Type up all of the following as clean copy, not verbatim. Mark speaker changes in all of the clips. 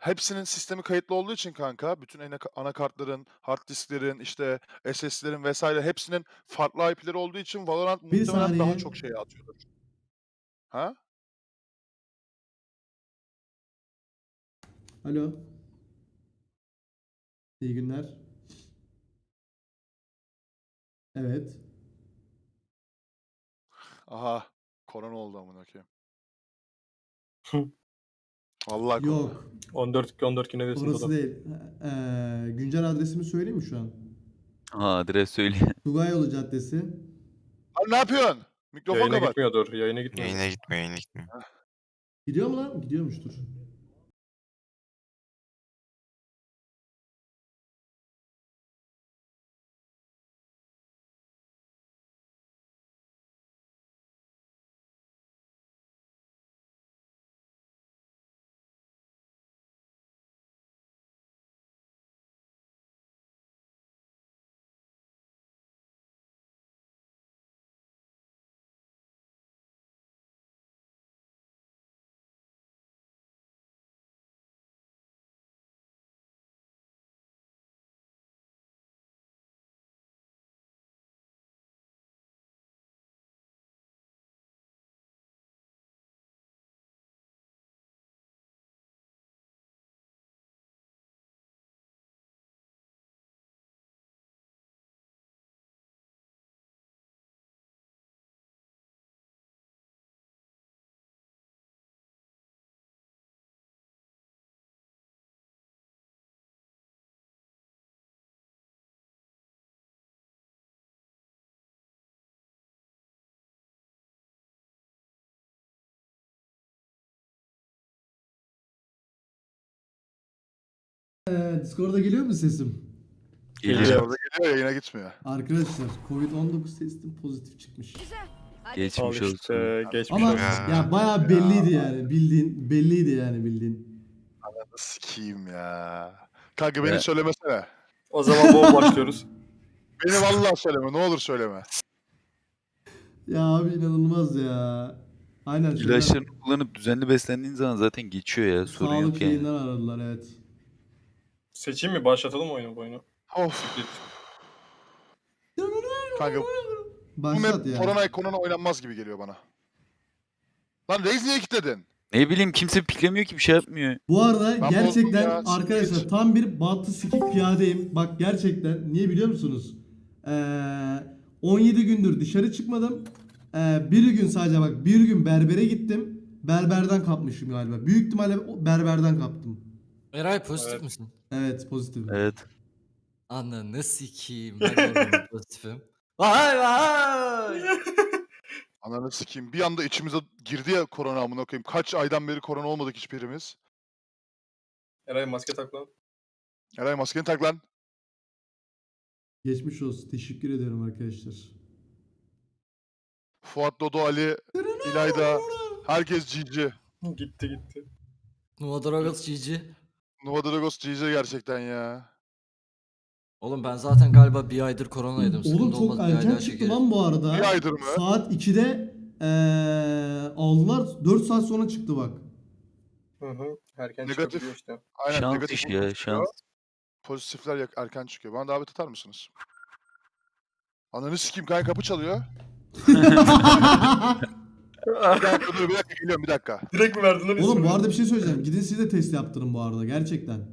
Speaker 1: hepsinin sistemi kayıtlı olduğu için kanka, bütün anakartların, hard disklerin, işte SSD'lerin vs. hepsinin farklı IP'leri olduğu için Valorant
Speaker 2: Bir
Speaker 1: muhtemelen daha
Speaker 2: saniye.
Speaker 1: çok şey atıyordur. Ha?
Speaker 2: Alo. İyi günler. Evet.
Speaker 1: Aha. Korona oldu amına koyayım.
Speaker 3: Hı.
Speaker 1: Vallahi korona.
Speaker 2: Yok.
Speaker 3: 14 güne desin
Speaker 2: Orası
Speaker 3: Dodo.
Speaker 2: değil. Güncel adresimi söyleyeyim mi şu an?
Speaker 4: Ha, adres söyle.
Speaker 2: Tugayolu Caddesi.
Speaker 1: Abi ne yapıyorsun? Mikrofon
Speaker 3: Yayına
Speaker 1: kapat.
Speaker 3: gitmiyordur. Yayına gitmiyordur.
Speaker 5: Yayına gitmiyor, yayına gitmiyor.
Speaker 2: Gidiyor mu lan? Gidiyormuştur. Discord'a geliyor mu sesim?
Speaker 4: Geliyor.
Speaker 3: Geliyor.
Speaker 1: Orada geliyor, yayına gitmiyor.
Speaker 2: Arkadaşlar Covid-19 testim pozitif çıkmış.
Speaker 6: Hadi.
Speaker 3: Al
Speaker 4: Geçmiş olsun.
Speaker 3: işte. Geçmiş
Speaker 2: Ama
Speaker 3: olsun.
Speaker 2: ya bayağı belliydi yani. Belliydi yani bildiğin.
Speaker 1: Sikiyim ya. Kanka beni
Speaker 4: Ya.
Speaker 1: söylemesene.
Speaker 3: O zaman bol başlıyoruz.
Speaker 1: Beni vallahi söyleme. Ne olur söyleme.
Speaker 2: Ya abi inanılmaz ya. Aynen şeyler,
Speaker 4: İlaçlarını kullanıp düzenli beslendiğin zaman zaten geçiyor ya. Sorun
Speaker 2: sağlık
Speaker 4: yok yani.
Speaker 2: yayından aradılar evet.
Speaker 3: Seçeyim mi? Başlatalım mı oyunu bu oyunu?
Speaker 1: Of.
Speaker 3: Git.
Speaker 1: Kanka bu
Speaker 2: Başlat
Speaker 1: map
Speaker 2: ya.
Speaker 1: korona oynanmaz gibi geliyor bana. Lan Raze niye kilitledin?
Speaker 4: Ne bileyim, kimse piklemiyor ki, bir şey yapmıyor.
Speaker 2: Bu arada
Speaker 1: Ben
Speaker 2: gerçekten
Speaker 1: bozdum ya,
Speaker 2: arkadaşlar
Speaker 1: siktir.
Speaker 2: tam bir bantı sikik piyadeyim. Bak gerçekten niye biliyor musunuz? 17 gündür dışarı çıkmadım. Bir gün sadece bak bir gün berbere gittim. Berberden kapmışım galiba. Büyük ihtimalle berberden kaptım.
Speaker 7: Eray pozitif
Speaker 3: Evet.
Speaker 7: misin?
Speaker 2: Evet pozitif.
Speaker 4: Evet.
Speaker 7: Ananı sikeyim. Ben de pozitifim. Vay vay.
Speaker 1: Ananı sikeyim. Bir anda içimize girdi ya korona amına koyayım. Kaç aydan beri korona olmadık hiçbirimiz.
Speaker 3: Eray maske tak lan.
Speaker 1: Eray maskeni tak lan.
Speaker 2: Geçmiş olsun. Teşekkür ediyorum arkadaşlar.
Speaker 1: Fuat, Dodo, Ali, İlayda. Herkes GG.
Speaker 3: Gitti gitti.
Speaker 7: Nova Dragos GG.
Speaker 1: Nova Dragos GG gerçekten ya.
Speaker 7: Oğlum ben zaten galiba bir aydır koronaydım.
Speaker 2: Oğlum
Speaker 7: Sıkıntı
Speaker 2: çok
Speaker 7: olmaz, bir ay
Speaker 2: erken
Speaker 7: daha
Speaker 2: çıktı
Speaker 7: çekeriz.
Speaker 2: lan bu arada.
Speaker 1: Bir aydır mı?
Speaker 2: Saat 2'de aldılar. 4 saat sonra çıktı bak.
Speaker 3: Hı hı. Erken
Speaker 1: Negatif.
Speaker 3: çıkabiliyor işte.
Speaker 1: Aynen
Speaker 4: Şans
Speaker 1: negatif
Speaker 4: işi
Speaker 1: olarak
Speaker 4: ya,
Speaker 1: çıkıyor.
Speaker 4: şans.
Speaker 1: Pozitifler erken çıkıyor. Bana davet atar mısınız? Ananı sikeyim kanka, kapı çalıyor. Bir dakika geliyorum bir dakika.
Speaker 3: Direkt mi verdin lan
Speaker 2: Oğlum bu
Speaker 3: ismini?
Speaker 2: arada bir şey söyleyeceğim. Gidin siz de test yaptırın bu arada gerçekten.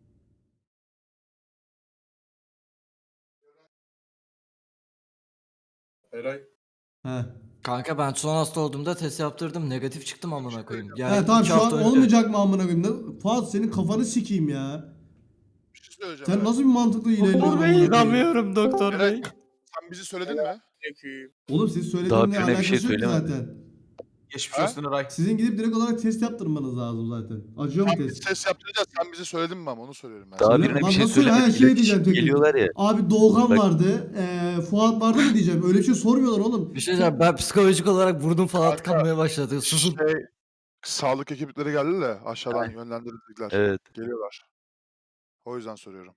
Speaker 3: Eray.
Speaker 2: He.
Speaker 7: Kanka ben son hasta olduğumda test yaptırdım. Negatif çıktım amına koyayım. Yani
Speaker 2: He tamam
Speaker 7: 2
Speaker 2: şu an
Speaker 7: hafta önce.
Speaker 2: olmayacak mı amına koyayım? Fuat senin kafanı sikeyim ya.
Speaker 1: Bir şey söyleyeceğim.
Speaker 2: Sen
Speaker 1: Eray.
Speaker 2: nasıl bir mantıklı ilerliyorsun amına koyayım?
Speaker 7: inanmıyorum doktor
Speaker 1: Eray, sen bizi söyledin mi?
Speaker 2: Oğlum siz
Speaker 4: Daha
Speaker 2: söylediğinle
Speaker 4: birine bir
Speaker 2: alakası
Speaker 4: şey
Speaker 2: yok ki
Speaker 4: söylemedi.
Speaker 2: zaten.
Speaker 5: Geçmiş
Speaker 1: Ha?
Speaker 5: olsun Eray.
Speaker 2: Sizin gidip direkt olarak test yaptırmanız lazım zaten. Acıyor mu
Speaker 1: Sen biz
Speaker 2: test?
Speaker 1: test yaptıracağız. Sen bizi söyledin mi ama onu soruyorum ben.
Speaker 4: Daha
Speaker 1: sana.
Speaker 2: Söyle-
Speaker 4: birine bir
Speaker 2: Lan
Speaker 4: şey
Speaker 2: nasıl söyle? Ha,
Speaker 4: söylemedik.
Speaker 2: şey
Speaker 4: İlaç
Speaker 2: diyeceğim
Speaker 4: için
Speaker 2: tek tek.
Speaker 4: geliyorlar ya.
Speaker 2: Abi Doğukan
Speaker 4: Bak.
Speaker 2: vardı. Fuat vardı mı diyeceğim. Öyle bir şey sormuyorlar oğlum.
Speaker 7: Bir şey diyeceğim, ben psikolojik olarak burnum falan
Speaker 1: Kanka,
Speaker 7: tıkanmaya başladı. Susun.
Speaker 1: Sağlık ekipleri geldi de aşağıdan yönlendirdikler.
Speaker 4: Evet.
Speaker 1: Geliyorlar. O yüzden soruyorum.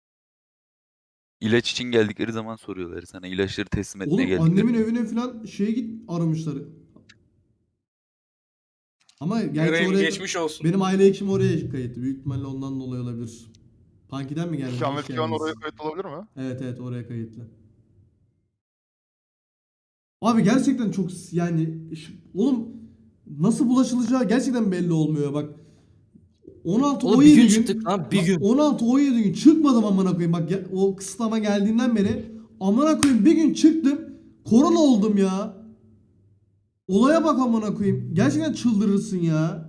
Speaker 4: İlaç için geldikleri zaman soruyorlar sana. İlaçları teslim etmeye
Speaker 2: Oğlum
Speaker 4: geldikleri
Speaker 2: annemin
Speaker 4: zaman.
Speaker 2: evine falan şeye git aramışlar. Ama gerçi
Speaker 5: Eray'ın
Speaker 2: oraya
Speaker 5: geçmiş olsun.
Speaker 2: benim aile hekimi oraya kayıtlı. Büyük ihtimalle ondan dolayı olabilir. Punky'den mi geldiniz? Hoş
Speaker 1: Ahmet Kivan
Speaker 2: geldiniz.
Speaker 1: oraya kayıt olabilir mi?
Speaker 2: Evet oraya kayıtlı. Abi gerçekten çok yani oğlum nasıl bulaşılacağı gerçekten belli olmuyor bak. 16
Speaker 7: Oğlum
Speaker 2: 17
Speaker 7: bir gün
Speaker 2: gün
Speaker 7: çıktık lan bir gün.
Speaker 2: 16 17 gün çıkmadım amına koyayım. Bak o kısıtlama geldiğinden beri amına koyayım bir gün çıktım. Korona oldum ya. Olaya bak amına koyayım. Gerçekten çıldırırsın ya.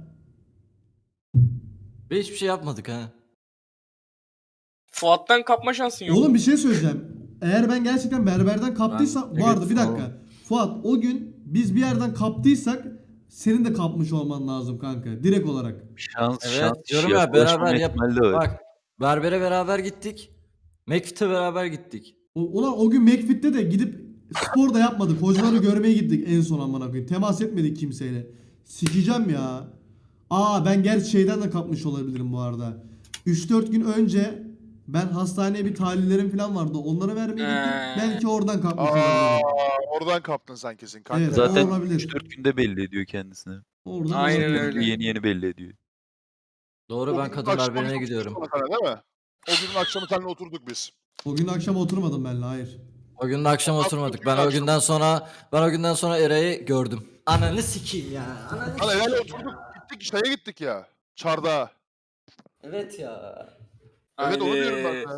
Speaker 7: Ve hiçbir şey yapmadık ha.
Speaker 5: Fuat'tan kapma şansın yok.
Speaker 2: Oğlum bir şey söyleyeceğim. Eğer ben gerçekten berberden kaptıysam
Speaker 7: Ben
Speaker 2: vardı bir
Speaker 7: negatif
Speaker 2: dakika. Fuat o gün biz bir yerden kaptıysak senin de kapmış olman lazım kanka. Direkt olarak.
Speaker 4: Şans
Speaker 7: Evet
Speaker 4: şans
Speaker 7: diyorum
Speaker 4: işi
Speaker 7: ya
Speaker 4: bulaşmama
Speaker 7: beraber yap.
Speaker 4: ihtimali de var.
Speaker 7: Bak berbere beraber gittik. McFit'e beraber gittik.
Speaker 2: Ulan o gün McFit'te de gidip spor da yapmadık. Hocaları görmeye gittik en son amına koyayım. Temas etmedik kimseyle. Sikeceğim ya. Ben gerçi şeyden de kapmış olabilirim bu arada. 3-4 gün önce ben hastaneye bir tahlillerim falan vardı. Onları vermeye gittim. Belki oradan kapmış olabilirim.
Speaker 1: Oradan kaptın sen kesin kanka.
Speaker 2: Evet,
Speaker 4: Zaten
Speaker 2: olabilir.
Speaker 4: 3-4 günde belli ediyor kendisini.
Speaker 2: Oradan
Speaker 5: Aynen
Speaker 2: olabilir.
Speaker 5: öyle.
Speaker 4: Yeni belli ediyor.
Speaker 7: Doğru
Speaker 1: O
Speaker 7: ben
Speaker 1: günün
Speaker 7: kadın
Speaker 1: akşamı
Speaker 7: berberine
Speaker 1: oturduk
Speaker 7: gidiyorum.
Speaker 1: sonra sana, değil mi? O günün akşamı seninle oturduk biz.
Speaker 2: O gün akşam oturmadım benimle hayır.
Speaker 7: O gün de akşam
Speaker 1: Akşam
Speaker 7: oturmadık.
Speaker 1: akşam.
Speaker 7: Ben o günden sonra Eray'ı gördüm. Ananı sikeyim ya. Ananı
Speaker 1: Hani
Speaker 7: sikeyim
Speaker 1: öyle
Speaker 7: ya.
Speaker 1: oturduk şeye gittik ya. Çardağa.
Speaker 7: Evet ya.
Speaker 1: Evet onu diyorum ben
Speaker 5: Haydi.
Speaker 1: de.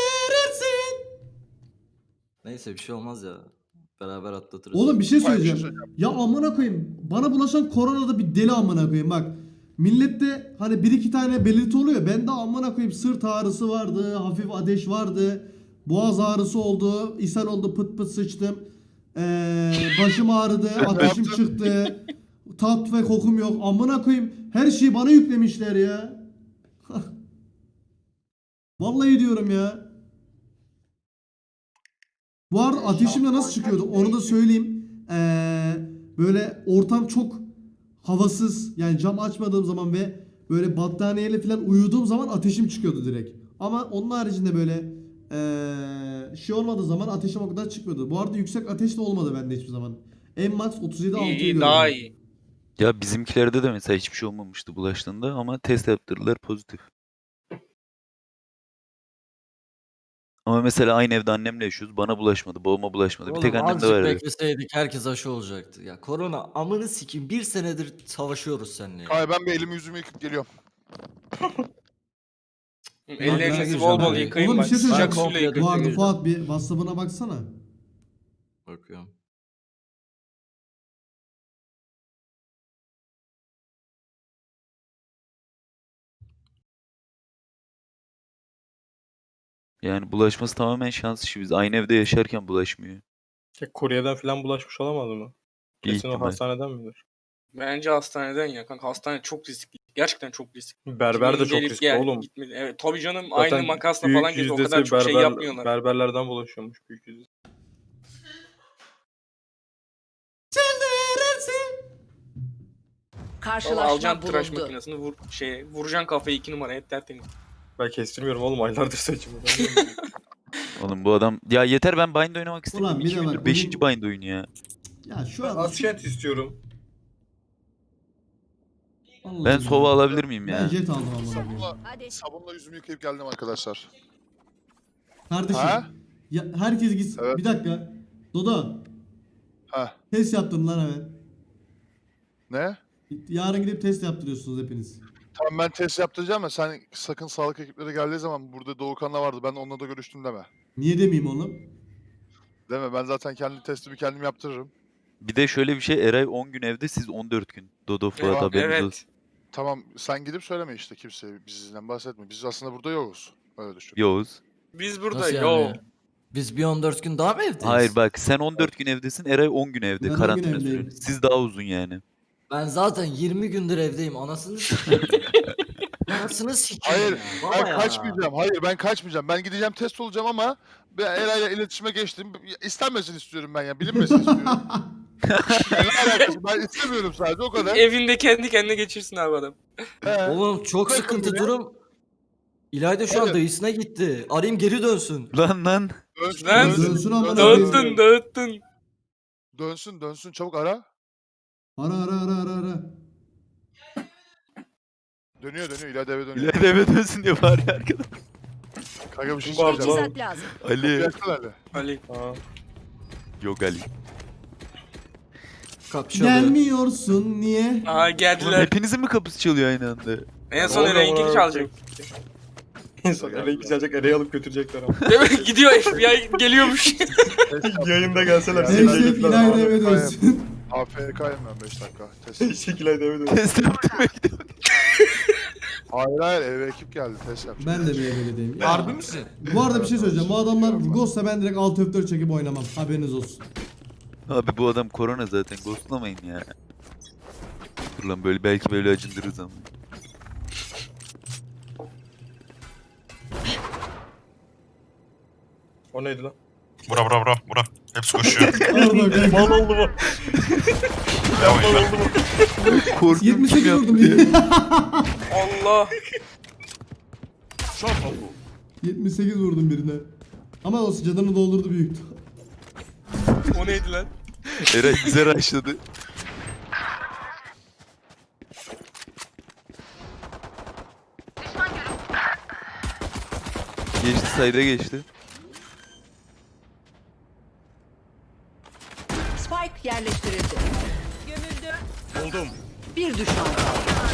Speaker 7: Neyse bir şey olmaz ya. Beraber atlatırız.
Speaker 2: Oğlum bir şey
Speaker 1: Hayır, bir şey
Speaker 2: söyleyeceğim. Ya amına koyayım. Bana bulaşan korona da bir deli amına koyayım bak. Millette hani bir iki tane belirti oluyor. Bende amına koyayım sırt ağrısı vardı, hafif ateş vardı. Boğaz ağrısı oldu, ishal oldu, pıt pıt sıçtım. Başım ağrıdı, ateşim çıktı. Tat ve kokum yok. Amına koyayım. Her şeyi bana yüklemişler ya. Vallahi diyorum ya. Bu arada ateşim de nasıl çıkıyordu onu da söyleyeyim. Böyle ortam çok havasız yani cam açmadığım zaman ve böyle battaniyeyle falan uyuduğum zaman ateşim çıkıyordu direkt. Ama onun haricinde böyle şey olmadığı zaman ateşim o kadar çıkmıyordu. Bu arada yüksek ateş de olmadı bende hiçbir zaman. En max 37
Speaker 5: İyi
Speaker 2: 6'yı
Speaker 5: iyi
Speaker 2: gördüm.
Speaker 5: daha iyi.
Speaker 4: Ya bizimkilerde de mesela hiçbir şey olmamıştı bulaştığında ama test yaptırdılar pozitif. Ama mesela aynı evde annemle yaşıyoruz. Bana bulaşmadı, babama bulaşmadı. Bir tek
Speaker 7: Oğlum
Speaker 4: annemde
Speaker 7: azıcık
Speaker 4: var.
Speaker 7: bekleseydik herkes aşı olacaktı. Ya korona amını sikeyim bir senedir savaşıyoruz seninle ya.
Speaker 1: Hayır ben bir elimi yüzümü yıkıp geliyorum.
Speaker 5: Ellerinizi
Speaker 7: gireceğim
Speaker 5: bol bol
Speaker 7: ben.
Speaker 5: yıkayın
Speaker 2: Oğlum bir
Speaker 5: bak.
Speaker 2: şey söyleyeceğim.
Speaker 5: Sıcak suyla
Speaker 7: komple
Speaker 5: yıkayın.
Speaker 2: Bu arada
Speaker 7: gireceğim.
Speaker 2: Fuat bir WhatsApp'ına baksana.
Speaker 7: Bakıyorum.
Speaker 4: Yani bulaşması tamamen şans işi. Biz aynı evde yaşarken bulaşmıyor.
Speaker 3: Kuryeden falan bulaşmış olamaz mı?
Speaker 4: Bir
Speaker 3: Kesin o
Speaker 4: ihtimal.
Speaker 3: hastaneden midir?
Speaker 5: Bence hastaneden ya kanka. Hastane çok riskli. Gerçekten çok riskli.
Speaker 3: Berber de
Speaker 5: Kimin
Speaker 3: çok
Speaker 5: gelip
Speaker 3: riskli oğlum.
Speaker 5: gitmedi. Evet tabii canım
Speaker 3: Zaten
Speaker 5: aynı makasla
Speaker 3: büyük
Speaker 5: falan geziyor. O
Speaker 3: yüzdesi
Speaker 5: kadar çok şey yapmıyorlar.
Speaker 3: berberlerden bulaşıyormuş büyük yüzdesi.
Speaker 5: Vallahi
Speaker 6: Karşılaşma
Speaker 5: alacaksın tıraş
Speaker 6: bulundu.
Speaker 5: makinesini vuracaksın kafayı 2 numaraya hep tertemiz.
Speaker 3: Ben kestirmiyorum oğlum aylardır saçımı.
Speaker 4: Oğlum bu adam... Ya yeter ben bind oynamak
Speaker 2: Ulan
Speaker 4: istemiyorum.
Speaker 2: bir
Speaker 4: 2
Speaker 2: de bak,
Speaker 4: gündür 5.
Speaker 2: bugün-
Speaker 4: bind oyunu ya.
Speaker 2: Ya şu
Speaker 3: Ben
Speaker 2: an
Speaker 3: Askent istiyorum.
Speaker 2: Vallahi
Speaker 4: Ben
Speaker 2: ya.
Speaker 4: sova alabilir miyim
Speaker 2: Ben
Speaker 4: ya?
Speaker 2: jet aldım amına koyayım.
Speaker 1: Sabunla,
Speaker 6: Hadi.
Speaker 1: sabunla yüzümü yıkayıp geldim arkadaşlar.
Speaker 2: Kardeşim.
Speaker 1: Ha?
Speaker 2: Ya herkes gitsin.
Speaker 1: Evet.
Speaker 2: Bir dakika. Dodo.
Speaker 1: Ha.
Speaker 2: Test yaptım lan hemen.
Speaker 1: Ne?
Speaker 2: Yarın gidip test yaptırıyorsunuz hepiniz.
Speaker 1: Tamam ben test yaptıracağım ya sen sakın sağlık ekipleri geldiği zaman burada Doğukan'la vardı ben onunla da görüştüm deme.
Speaker 2: Niye demeyeyim oğlum?
Speaker 1: Deme ben zaten kendi testimi kendim yaptırırım.
Speaker 4: Bir de şöyle bir şey. Eray 10 gün evde, siz 14 gün. Dodo Fuat
Speaker 1: Tamam,
Speaker 4: haberiniz olsun.
Speaker 5: Evet.
Speaker 1: Tamam sen gidip söyleme işte kimseye bizden bahsetme. Biz aslında burada yokuz. Öyle düşün.
Speaker 4: Yavuz.
Speaker 5: Biz burada
Speaker 7: Nasıl
Speaker 5: yo.
Speaker 7: yani? Biz bir 14 gün daha mı evdeyiz?
Speaker 4: Hayır bak sen 14 gün evdesin, Eray 10 gün evde.
Speaker 2: Ben 10 gün
Speaker 4: Karantina
Speaker 2: evdeyim.
Speaker 4: süresi. Siz daha uzun yani.
Speaker 7: Ben zaten 20 gündür evdeyim. Anasını sikeyim. Anasını sikeyim
Speaker 1: Hayır,
Speaker 7: ya. Baba
Speaker 1: Ben
Speaker 7: ya.
Speaker 1: kaçmayacağım. Hayır ben kaçmayacağım. Ben gideceğim test olacağım ama ben Eray'la iletişime geçtim. İstenmesin istiyorum ben ya. Bilinmesin istiyorum. Ne alakası? Ben istemiyorum sadece o kadar.
Speaker 5: Evinde kendi kendine geçirsin abi adam.
Speaker 1: He.
Speaker 7: Oğlum çok
Speaker 1: Bakın
Speaker 7: sıkıntı
Speaker 1: buraya.
Speaker 7: durum. İlayda şu an
Speaker 1: Evet.
Speaker 7: dayısına gitti. Arayayım geri dönsün.
Speaker 4: Lan.
Speaker 1: Dönsün,
Speaker 5: Lan.
Speaker 2: Dönsün amına
Speaker 1: dönsün,
Speaker 2: koyayım.
Speaker 5: Dağıttın.
Speaker 1: dönsün, dönsün. Çabuk ara.
Speaker 2: Ara.
Speaker 1: Dönüyor İleride eve dönüyor.
Speaker 4: İleride eve dönsün diye bari arkada.
Speaker 1: Kanka bir şey
Speaker 3: Kim var
Speaker 1: söyleyeceğim.
Speaker 3: lan?
Speaker 6: Teçhizat lazım.
Speaker 4: Ali.
Speaker 1: Yaksana Ali.
Speaker 5: Ali.
Speaker 3: Ha.
Speaker 4: Yok Ali.
Speaker 7: Kapı çalıyor.
Speaker 2: Gelmiyorsun niye?
Speaker 5: Aha
Speaker 4: Oğlum
Speaker 5: geldiler.
Speaker 4: hepinizin mi kapısı çalıyor aynı anda?
Speaker 5: En son
Speaker 3: Oğlum,
Speaker 5: Eren'inki
Speaker 3: oğlum,
Speaker 5: çalacak.
Speaker 3: En son Ereği çalacak, Ereği alıp götürecekler ama.
Speaker 5: Değil mi? Gidiyor FBI geliyormuş.
Speaker 3: Yayında gelseler
Speaker 1: Ya,
Speaker 3: seni
Speaker 2: Eşref
Speaker 3: yayınlar
Speaker 2: İlayda
Speaker 3: ama.
Speaker 2: eve dönsün.
Speaker 1: AFK'yim ben 5 dakika. Test.
Speaker 3: Şekilde eve dön.
Speaker 4: Test yaptırmaya gidiyorum.
Speaker 1: Hayır eve ekip geldi test yapacağım.
Speaker 2: Ben de bir evdeyim.
Speaker 7: Harbi misin?
Speaker 2: Bu arada bir şey söyleyeceğim. Bu adamlar Ghost'sa ben direkt alt F4 çekip oynamam. Haberiniz olsun.
Speaker 4: Abi bu adam korona zaten. Ghostlamayın ya. Dur lan böyle belki böyle acındırırız ama.
Speaker 3: O neydi lan?
Speaker 8: Bura. Hepsi koşuyor.
Speaker 2: Orada
Speaker 3: Mal oldu mu? Mal oldu mu?
Speaker 4: Korkunç
Speaker 2: 78
Speaker 4: yaptı
Speaker 2: vurdum.
Speaker 4: ya.
Speaker 5: Allah.
Speaker 2: 78 vurdum birine. Ama o canını doldurdu büyük.
Speaker 5: O neydi lan?
Speaker 4: Eray güzel açladı. Geçti sayda geçti.
Speaker 6: Spike yerleştirildi. Gömüldü. Buldum. Bir düşman kaldı.